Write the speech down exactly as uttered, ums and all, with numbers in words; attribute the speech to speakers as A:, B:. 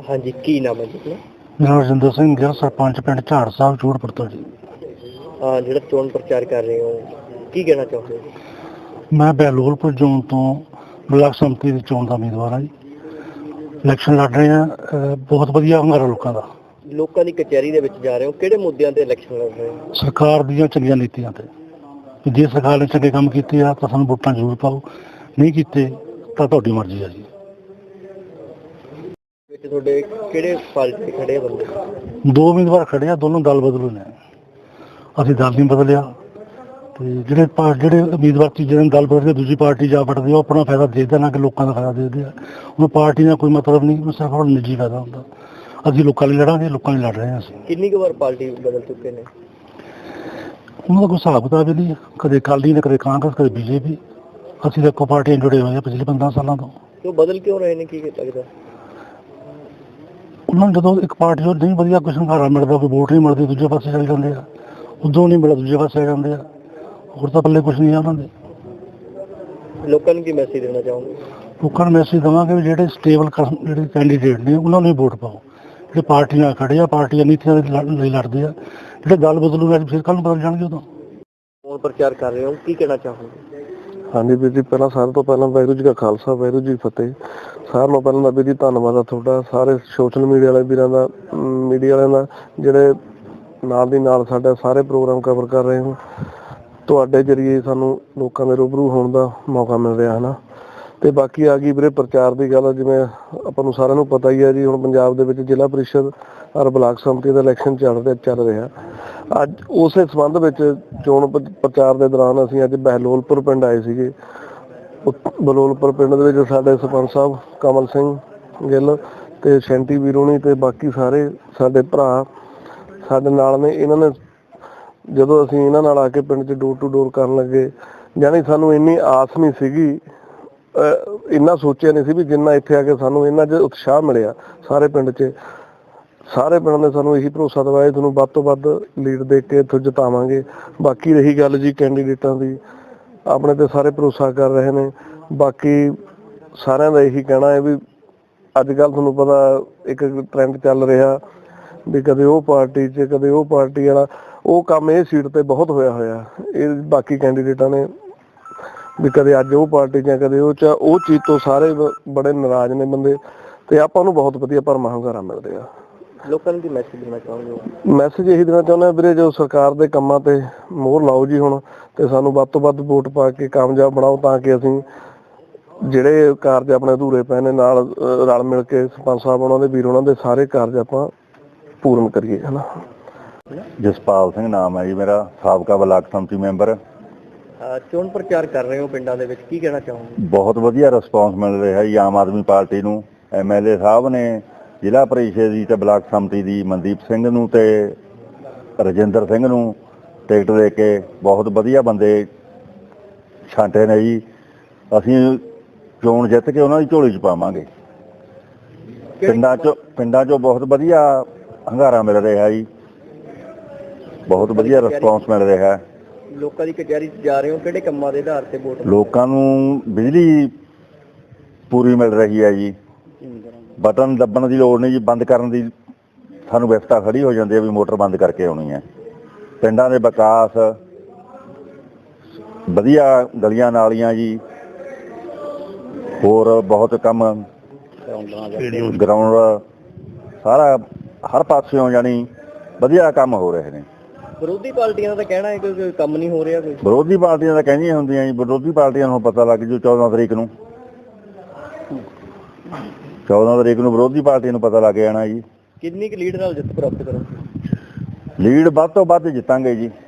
A: हाँ जी, की नाम है जी अपना?
B: मेरा रजिंदर सिंह गिल, सरपंच पिंड झाड़ साहब चूड़पुर तो जी।
A: हाँ, ਜਿਹੜਾ ਚੋਣ ਪ੍ਰਚਾਰ ਕਰ ਰਹੇ ਹੋ ਕੀ ਕਹਿਣਾ ਚਾਹੁੰਦੇ ਹੋ?
B: ਮੈਂ ਬਹਿਲੋਲਪੁਰ ਜ਼ੋਨ ਤੋਂ ਬਲਾਕ ਸੰਮਤੀ ਦੀ ਚੋਣ ਦਾ ਉਮੀਦਵਾਰ ਹਾਂ ਜੀ। ਇਲੈਕਸ਼ਨ ਲੜ ਰਹੇ ਹਾਂ। ਅਹ ਬਹੁਤ ਵਧੀਆ ਹੰਗਾਰਾ ਲੋਕਾਂ ਦਾ।
A: ਲੋਕਾਂ ਦੀ ਕਚਹਿਰੀ ਦੇ ਵਿੱਚ ਜਾ ਰਹੇ ਹੋ, ਕਿਹੜੇ ਮੁੱਦਿਆਂ ਤੇ ਇਲੈਕਸ਼ਨ ਲੜ ਰਹੇ ਹੋ?
B: ਸਰਕਾਰ ਦੀਆਂ ਚੰਗੀਆਂ ਨੀਤੀਆਂ ਤੇ। ਜੇ ਸਰਕਾਰ ਨੇ ਚੰਗੇ ਕੰਮ ਕੀਤੇ ਆ ਤਾਂ ਸਾਨੂੰ ਵੋਟਾਂ ਜ਼ਰੂਰ ਪਾਓ, ਨਹੀਂ ਕੀਤੇ ਤਾਂ ਤੁਹਾਡੀ ਮਰਜ਼ੀ ਆ ਜੀ।
A: ਵਿੱਚ ਤੁਹਾਡੇ ਕਿਹੜੇ ਪਾਰਟੀ ਦੇ ਖੜੇ ਆ ਬੰਦੇ?
B: ਦੋ ਉਮੀਦਵਾਰ ਖੜੇ ਆ, ਦੋਨੋਂ ਦਲ ਬਦਲੂ ਨੇ। ਅਸੀਂ ਦਲ ਨਹੀਂ ਬਦਲਿਆ ਤੇ ਜਿਹੜੇ ਪਾ ਜਿਹੜੇ ਉਮੀਦਵਾਰ ਤੀਜੇ ਦਿਨ ਦਲ ਬਦਲ ਕੇ ਦੂਜੀ ਪਾਰਟੀ ਜਾ ਵੜਦੇ ਉਹ ਆਪਣਾ ਫਾਇਦਾ ਦੇਖਦੇ ਨਾ ਕਿ ਲੋਕਾਂ ਦਾ ਫਾਇਦਾ ਦੇਖਦੇ ਆ। ਉਹਨੂੰ ਪਾਰਟੀ ਦਾ ਕੋਈ ਮਤਲਬ ਨਹੀਂ, ਉਹ ਸਿਰਫ ਆਪਣਾ ਨਿੱਜੀ ਫਾਇਦਾ ਹੁੰਦਾ। ਅਸੀਂ ਲੋਕਾਂ ਲਈ ਲੜਾਂਗੇ, ਲੋਕਾਂ ਲਈ ਲੜ ਰਹੇ ਹਾਂ। ਅਸੀਂ
A: ਕਿੰਨੀ ਕੁ ਵਾਰ ਪਾਰਟੀ ਬਦਲ ਚੁੱਕੇ ਨੇ?
B: ਉਹਨਾਂ ਦਾ ਕੋਈ ਹਿਸਾਬ ਕਿਤਾਬ ਨਹੀਂ, ਕਦੇ ਅਕਾਲੀ ਨੇ, ਕਦੇ ਕਾਂਗਰਸ, ਕਦੇ ਬੀਜੇਪੀ। ਅਸੀਂ ਤਾਂ ਇੱਕੋ ਪਾਰਟੀਆਂ ਜੁੜੇ ਹੋਏ ਹਾਂ ਪਿਛਲੇ ਪੰਦਰਾਂ ਸਾਲਾਂ ਤੋਂ।
A: ਕਿਉਂ ਬਦਲ ਕਿਉਂ ਰਹੇ ਨੇ, ਕੀ ਲੱਗਦਾ?
B: ਉਹਨਾਂ ਨੂੰ ਜਦੋਂ ਇੱਕ ਪਾਰਟੀ ਤੋਂ ਨਹੀਂ ਵਧੀਆ ਕੋਈ ਸੰਘਾਰਾ ਮਿਲਦਾ, ਕੋਈ ਵੋਟ ਨਹੀਂ ਮਿਲਦੀ, ਦੂਜੇ ਪਾਸੇ ਚਲੇ ਜਾਂਦੇ ਆ। ਉਦੋਂ ਨਹੀਂ ਮਿਲਦਾ ਦੂਜੇ ਪਾਸੇ ਆ ਜਾਂਦੇ ਆ। ਹੋਰ ਤਾਂ ਪੱਲੇ ਕੁਛ ਨਹੀਂ ਆ ਉਹਨਾਂ ਦੇ।
A: ਲੋਕਾਂ ਨੂੰ ਕੀ ਮੈਸੇਜ ਦੇਣਾ ਚਾਹੋਗੇ?
B: ਲੋਕਾਂ ਨੂੰ ਮੈਸੇਜ ਦੇਵਾਂਗੇ ਵੀ ਜਿਹੜੇ ਸਟੇਬਲ ਜਿਹੜੇ ਕੈਂਡੀਡੇਟ ਨੇ ਉਹਨਾਂ ਨੂੰ ਹੀ ਵੋਟ ਪਾਓ। ਜਿਹੜੇ ਪਾਰਟੀ ਨਾਲ ਖੜੇ ਆ, ਪਾਰਟੀਆਂ ਨੀਤੀਆਂ ਲਈ ਲੜਦੇ ਆ। ਜਿਹੜੇ ਦਲ ਬਦਲੂ ਅੱਜ ਫਿਰ ਕੱਲ੍ਹ ਨੂੰ ਬਦਲ ਜਾਣਗੇ ਉਦੋਂ।
A: ਚੋਣ ਪ੍ਰਚਾਰ ਕਰ ਰਹੇ ਹੋ, ਕੀ ਕਹਿਣਾ ਚਾਹੋਗੇ?
C: ਹਾਂਜੀ ਵੀਰ ਜੀ, ਪਹਿਲਾਂ ਸਾਰਿਆਂ ਤੋਂ ਪਹਿਲਾਂ ਵਾਹਿਗੁਰੂ ਜੀ ਕਾ ਖਾਲਸਾ, ਵਾਹਿਗੁਰੂ ਜੀ ਕੀ ਫਤਿਹ। ਸਾਰਿਆਂ ਨੂੰ ਪਹਿਲਾਂ ਤਾਂ ਵੀਰ ਜੀ ਧੰਨਵਾਦ ਆ ਤੁਹਾਡਾ, ਸਾਰੇ ਸੋਸ਼ਲ ਮੀਡੀਆ ਵਾਲੇ ਵੀਰਾਂ ਦਾ, ਮੀਡੀਆ ਵਾਲਿਆਂ ਦਾ, ਜਿਹੜੇ ਨਾਲ ਦੀ ਨਾਲ ਸਾਡਾ ਸਾਰੇ ਪ੍ਰੋਗਰਾਮ ਕਵਰ ਕਰ ਰਹੇ ਹੋ। ਤੁਹਾਡੇ ਜ਼ਰੀਏ ਸਾਨੂੰ ਲੋਕਾਂ ਦੇ ਰੂਬਰੂ ਹੋਣ ਦਾ ਮੌਕਾ ਮਿਲ ਰਿਹਾ ਹੈ ਨਾ। ਅਤੇ ਬਾਕੀ ਆ ਗਈ ਵੀਰੇ ਪ੍ਰਚਾਰ ਦੀ ਗੱਲ, ਜਿਵੇਂ ਆਪਾਂ ਨੂੰ ਸਾਰਿਆਂ ਨੂੰ ਪਤਾ ਹੀ ਹੈ ਜੀ, ਹੁਣ ਪੰਜਾਬ ਦੇ ਵਿੱਚ ਜ਼ਿਲ੍ਹਾ ਪਰਿਸ਼ਦ ਔਰ ਬਲਾਕ ਸੰਮਤੀ ਦਾ ਇਲੈਕਸ਼ਨ ਚੱਲ ਰਿਹਾ ਚੱਲ ਰਿਹਾ ਅੱਜ ਉਸੇ ਸੰਬੰਧ ਵਿੱਚ ਚੋਣ ਪ੍ਰਚਾਰ ਦੇ ਦੌਰਾਨ ਅਸੀਂ ਅੱਜ ਬਹਿਲੋਲਪੁਰ ਪਿੰਡ ਆਏ ਸੀਗੇ। ਬਹਿਲੋਲਪੁਰ ਪਿੰਡ ਦੇ ਵਿੱਚ ਸਾਡੇ ਸਰਪੰਚ ਸਾਹਿਬ ਕਮਲ ਸਿੰਘ ਗਿੱਲ ਅਤੇ ਸ਼ੈਂਟੀ ਵੀਰੋਣੀ ਅਤੇ ਬਾਕੀ ਸਾਰੇ ਸਾਡੇ ਭਰਾ ਸਾਡੇ ਨਾਲ ਨੇ। ਇਹਨਾਂ ਨੇ ਜਦੋਂ ਅਸੀਂ ਇਹਨਾਂ ਨਾਲ ਆ ਕੇ ਪਿੰਡ 'ਚ ਡੋਰ ਟੂ ਡੋਰ ਕਰਨ ਲੱਗੇ, ਯਾਨੀ ਸਾਨੂੰ ਇੰਨੀ ਆਸ ਨਹੀਂ ਸੀਗੀ, ਇੰਨਾ ਸੋਚਿਆ ਨਹੀਂ ਸੀ ਵੀ ਜਿੰਨਾ ਇੱਥੇ ਆ ਕੇ ਸਾਨੂੰ ਇਹਨਾਂ 'ਚ ਉਤਸ਼ਾਹ ਮਿਲਿਆ। ਸਾਰੇ ਪਿੰਡ 'ਚ ਸਾਰੇ ਪਿੰਡ ਨੇ ਸਾਨੂੰ ਇਹੀ ਭਰੋਸਾ ਦਿਵਾਇਆ ਤੁਹਾਨੂੰ ਵੱਧ ਤੋਂ ਵੱਧ ਲੀਡ ਦੇ ਕੇ ਇੱਥੋਂ ਜਿਤਾਵਾਂਗੇ। ਬਾਕੀ ਰਹੀ ਗੱਲ ਜੀ ਕੈਂਡੀਡੇਟਾਂ ਦੀ, ਆਪਣੇ 'ਤੇ ਸਾਰੇ ਭਰੋਸਾ ਕਰ ਰਹੇ ਨੇ। ਬਾਕੀ ਸਾਰਿਆਂ ਦਾ ਇਹੀ ਕਹਿਣਾ ਹੈ ਵੀ ਅੱਜ ਕੱਲ੍ਹ ਤੁਹਾਨੂੰ ਪਤਾ ਇੱਕ ਟਰੈਂਡ ਚੱਲ ਰਿਹਾ ਵੀ ਕਦੇ ਉਹ ਪਾਰਟੀ 'ਚ ਕਦੇ ਉਹ ਪਾਰਟੀ ਵਾਲਾ, ਉਹ ਕੰਮ ਇਹ ਸੀਟ 'ਤੇ ਬਹੁਤ ਹੋਇਆ ਹੋਇਆ। ਇਹ ਬਾਕੀ ਕੈਂਡੀਡੇਟਾਂ ਨੇ ਵੀ ਕਦੇ ਅੱਜ ਉਹ ਪਾਰਟੀ 'ਚ ਕਦੇ ਉਹ 'ਚ, ਉਹ ਚੀਜ਼ ਤੋਂ ਸਾਰੇ ਬੜੇ ਨਾਰਾਜ਼ ਨੇ ਬੰਦੇ। ਅਤੇ ਆਪਾਂ ਨੂੰ ਬਹੁਤ ਵਧੀਆ ਭਰਮਾ ਹੁੰਗਾਰਾ ਮਿਲ ਰਿਹਾ।
A: ਲੋਕਾਂ ਨੂੰ ਕੀ ਮੈਸੇਜ ਦੇਣਾ ਚਾਹੁੰਦੇ ਹੋ?
C: ਮੈਸੇਜ ਇਹੀ ਦੇਣਾ ਚਾਹੁੰਦਾ ਵੀਰੇ, ਜੋ ਸਰਕਾਰ ਦੇ ਕੰਮਾਂ 'ਤੇ ਮੋਹਰ ਲਾਓ ਜੀ ਹੁਣ, ਅਤੇ ਸਾਨੂੰ ਵੱਧ ਤੋਂ ਵੱਧ ਵੋਟ ਪਾ ਕੇ ਕਾਮਯਾਬ ਬਣਾਓ ਤਾਂ ਕਿ ਅਸੀਂ ਜਿਹੜੇ ਕਾਰਜ ਆਪਣੇ ਅਧੂਰੇ ਪਏ ਨੇ ਨਾਲ ਰਲ ਮਿਲ ਕੇ ਸਰਪੰਚ ਸਾਹਿਬ ਉਹਨਾਂ ਦੇ ਵੀਰ ਉਹਨਾਂ ਦੇ ਸਾਰੇ ਕਾਰਜ ਆਪਾਂ ਪੂਰਨ ਕਰੀਏ, ਹੈ ਨਾ।
D: ਜਸਪਾਲ ਸਿੰਘ ਨਾਮ ਹੈ ਜੀ ਮੇਰਾ, ਸਾਬਕਾ ਬਲਾਕ ਸੰਮਤੀ ਮੈਂਬਰ।
A: ਚੋਣ ਪ੍ਰਚਾਰ ਕਰ ਰਹੇ ਹੋ ਪਿੰਡਾਂ ਦੇ ਵਿੱਚ, ਕੀ ਕਹਿਣਾ ਚਾਹੋਗੇ?
D: ਬਹੁਤ ਵਧੀਆ ਰਿਸਪੌਂਸ ਮਿਲ ਰਿਹਾ ਜੀ ਆਮ ਆਦਮੀ ਪਾਰਟੀ ਨੂੰ। ਐਮ ਐਲ ਏ ਸਾਹਿਬ ਨੇ ਜ਼ਿਲ੍ਹਾ ਪਰਿਸ਼ਦ ਦੀ ਅਤੇ ਬਲਾਕ ਸੰਮਤੀ ਦੀ ਮਨਦੀਪ ਸਿੰਘ ਨੂੰ ਅਤੇ ਰਜਿੰਦਰ ਸਿੰਘ ਨੂੰ ਟਿਕਟ ਦੇ ਕੇ ਬਹੁਤ ਵਧੀਆ ਬੰਦੇ ਛਾਂਟੇ ਨੇ ਜੀ। ਅਸੀਂ ਚੋਣ ਜਿੱਤ ਕੇ ਉਹਨਾਂ ਦੀ ਝੋਲੀ 'ਚ ਪਾਵਾਂਗੇ। ਪਿੰਡਾਂ 'ਚੋਂ ਪਿੰਡਾਂ 'ਚੋਂ ਬਹੁਤ ਵਧੀਆ ਹੰਗਾਰਾ ਮਿਲ ਰਿਹਾ ਜੀ, ਬਹੁਤ ਵਧੀਆ ਰਿਸਪੌਂਸ ਮਿਲ ਰਿਹਾ।
A: ਲੋਕਾਂ ਦੀ ਕਚਹਿਰੀ 'ਚ ਜਾ ਰਹੇ ਹੋ, ਕਿਹੜੇ ਕੰਮਾਂ ਦੇ ਆਧਾਰ 'ਤੇ ਵੋਟ?
D: ਲੋਕਾਂ ਨੂੰ ਬਿਜਲੀ ਪੂਰੀ ਮਿਲ ਰਹੀ ਹੈ ਜੀ, ਬਟਨ ਦੱਬਣ ਦੀ ਲੋੜ ਨਹੀਂ ਜੀ, ਬੰਦ ਕਰਨ ਦੀ ਸਾਨੂੰ ਵਿਵਸਥਾ ਖੜੀ ਹੋ ਜਾਂਦੀ ਹੈ ਵੀ ਮੋਟਰ ਬੰਦ ਕਰਕੇ ਆਉਣੀ ਹੈ। ਪਿੰਡਾਂ ਦੇ ਵਿਕਾਸ ਵਧੀਆ, ਗਲੀਆਂ ਨਾਲੀਆਂ ਜੀ, ਹੋਰ ਬਹੁਤ ਕੰਮ, ਗਰਾਊਂਡ ਸਾਰਾ ਹਰ ਪਾਸਿਓਂ ਜਾਣੀ ਵਧੀਆ ਕੰਮ ਹੋ ਰਹੇ ਨੇ।
A: ਵਿਰੋਧੀ ਪਾਰਟੀਆਂ ਦਾ ਤਾਂ ਕਹਿਣਾ ਹੈ ਕਿ ਕੰਮ ਨਹੀਂ ਹੋ ਰਿਹਾ ਕੋਈ।
D: ਵਿਰੋਧੀ ਪਾਰਟੀਆਂ ਤਾਂ ਕਹਿੰਦੀਆਂ ਹੁੰਦੀਆਂ ਜੀ, ਵਿਰੋਧੀ ਪਾਰਟੀਆਂ ਨੂੰ ਪਤਾ ਲੱਗ ਜੂ ਚੌਦਾਂ ਤਰੀਕ ਨੂੰ ਚੌਦਾਂ ਤਰੀਕ ਨੂੰ ਵਿਰੋਧੀ ਪਾਰਟੀ ਨੂੰ ਪਤਾ ਲੱਗ ਜਾਣਾ ਜੀ।
A: ਕਿੰਨੀ ਕੁ ਲੀਡ ਨਾਲ ਜਿੱਤ ਪ੍ਰਾਪਤ ਕਰੋਗੇ?
D: ਲੀਡ ਵੱਧ ਤੋਂ ਵੱਧ ਜਿੱਤਾਂਗੇ ਜੀ।